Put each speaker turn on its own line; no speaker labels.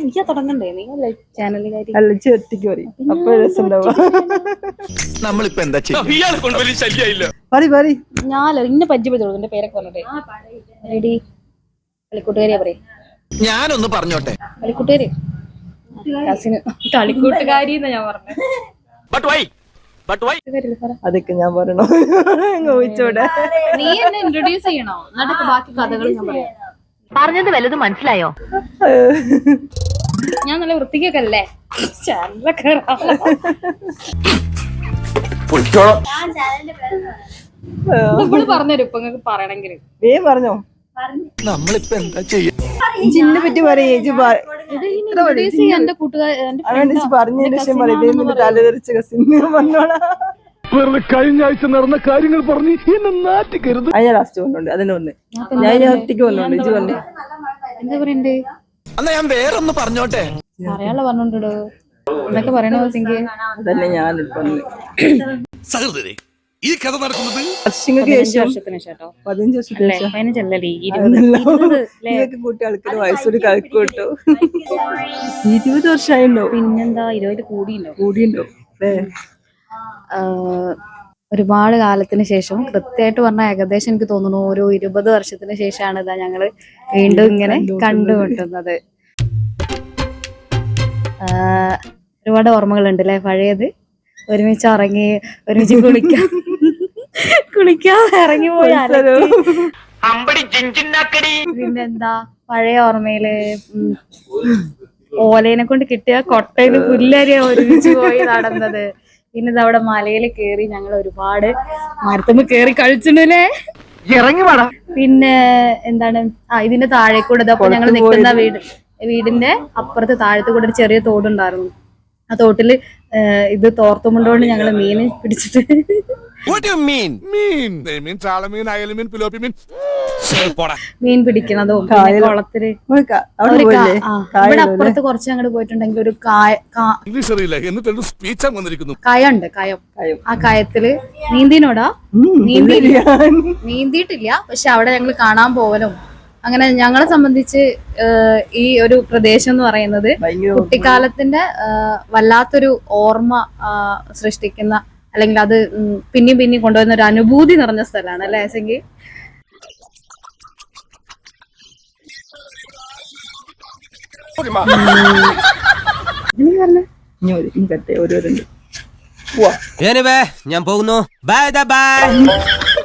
നീ തുടങ്ങണ്ടേ? നീ ചാനലിൽ
അല്ല ഒറ്റയ്ക്ക് പറയും അപ്പൊ രസം ഉണ്ടാവുക.
നമ്മളിപ്പോ എന്താ
ഞാൻ ഇന്നെ പരിചയപ്പെടുത്തുള്ളൂ. എന്റെ പേരൊക്കെ പറഞ്ഞിട്ടേ റെഡി കളിക്കൂട്ടുകാരിയാ പറയും.
ഞാനൊന്ന് പറഞ്ഞോട്ടെ,
കളിക്കൂട്ടുകാരി കസിന് കളിക്കൂട്ടുകാരി എന്നാ ഞാൻ പറഞ്ഞത്.
അതൊക്കെ ഞാൻ പറയണോ? ചോദിച്ചോടെ
നീ എന്നെ ഇൻട്രൊഡ്യൂസ് ചെയ്യണോ? എന്നിട്ട് ബാക്കി കഥകൾ ഞാൻ പറയാം.
പറഞ്ഞത് വല്ലതും മനസ്സിലായോ?
ഞാൻ നല്ല വൃത്തിക്കൊക്കെ അല്ലേ ചാനലൊക്കെ പറഞ്ഞുതരും ഇപ്പൊ നിങ്ങൾക്ക് പറയണെങ്കിൽ.
പറഞ്ഞോ
നമ്മളിപ്പോ എന്താ ചെയ്യാ?
ജിന്നെ പറ്റി പറയേജ്
എന്റെ കൂട്ടുകാർ
പറഞ്ഞതിന് ശേഷം പറയുന്നത് തലതെറിച്ച കസിന് വന്നോളാം.
കഴിഞ്ഞ ആഴ്ച നടന്ന കാര്യങ്ങൾ പറഞ്ഞ് എന്നെ നാട്ടിക്കരുത്.
ഞാൻ ലാസ്റ്റ് വന്നോണ്ട് അതിനെ ഒന്ന് ഞാൻ ഒറ്റയ്ക്ക് വന്നോണ്ട് ഇജ് വന്നു.
എന്താ പറയണ്ടേ?
എന്നാ ഞാൻ വേറൊന്ന് പറഞ്ഞോട്ടെ.
പറയാനുള്ള പറഞ്ഞോണ്ടോ എന്നൊക്കെ പറയണോ?
അതന്നെ ഞാൻ
സഹൃദരെ, ഈ കഥ നടക്കുന്നത്
വർഷങ്ങൾക്ക് ശേഷം 15 വർഷത്തിന് ശേഷം കൂട്ടി ആൾക്കാർ വയസ്സോട് കളിക്കൂട്ടോ. 20 വർഷമായിണ്ടോ?
പിന്നെന്താ 20
കൂടിയുണ്ടോ അല്ലേ?
ഒരുപാട് കാലത്തിന് ശേഷം, കൃത്യമായിട്ട് പറഞ്ഞാൽ ഏകദേശം എനിക്ക് തോന്നുന്നു ഒരു 20 വർഷത്തിന് ശേഷമാണ് ഇതാ ഞങ്ങള് വീണ്ടും ഇങ്ങനെ കണ്ടുമുട്ടുന്നത്. ഒരുപാട് ഓർമ്മകളുണ്ട് അല്ലെ പഴയത്. ഒരുമിച്ച് ഇറങ്ങി, ഒരുമിച്ച് കുളിക്കാൻ ഇറങ്ങി പോയി. പിന്നെന്താ പഴയ ഓർമ്മയില് ഓലേനെ കൊണ്ട് കിട്ടിയ കൊട്ടയില് പുല്ലരിയ ഒരുമിച്ച് പോയി നടന്നത്. പിന്നെ ഇതവിടെ മലയിൽ കേറി ഞങ്ങൾ ഒരുപാട് മരത്തുമ്പ് കേറി കഴിച്ചിട്ടുണ്ടല്ലേ. പിന്നെ എന്താണ് ഇതിന്റെ താഴെ കൂടെ ഇതപ്പോ ഞങ്ങൾ നിൽക്കുന്ന വീടിന്റെ അപ്പുറത്ത് താഴത്ത് കൂടെ ഒരു ചെറിയ തോടുണ്ടായിരുന്നു. ആ തോട്ടില് ഇത് തോർത്തുമുണ്ടോണ്ട് ഞങ്ങള് മീൻ പിടിച്ചിട്ട്. മീൻ പിടിക്കണതും പിന്നെ കുളത്തില് ഇവിടെ അപ്പുറത്ത് കുറച്ച് അങ്ങോട്ട് പോയിട്ടുണ്ടെങ്കിൽ ഒരു കയുണ്ട്. കയം. ആ കയത്തില് നീന്തിനോടാ നീന്തിയിട്ടില്ല. പക്ഷെ അവിടെ ഞങ്ങൾ കാണാൻ പോവലും അങ്ങനെ. ഞങ്ങളെ സംബന്ധിച്ച് ഈ ഒരു പ്രദേശം എന്ന് പറയുന്നത് കുട്ടിക്കാലത്തിന്റെ വല്ലാത്തൊരു ഓർമ്മ സൃഷ്ടിക്കുന്ന, അല്ലെങ്കിൽ അത് പിന്നെയും കൊണ്ടുവരുന്ന ഒരു അനുഭൂതി നിറഞ്ഞ സ്ഥലമാണ് അല്ലേ സെങ്കി?
ഓരോരുണ്ട്
ഞാൻ പോകുന്നു. Bye by.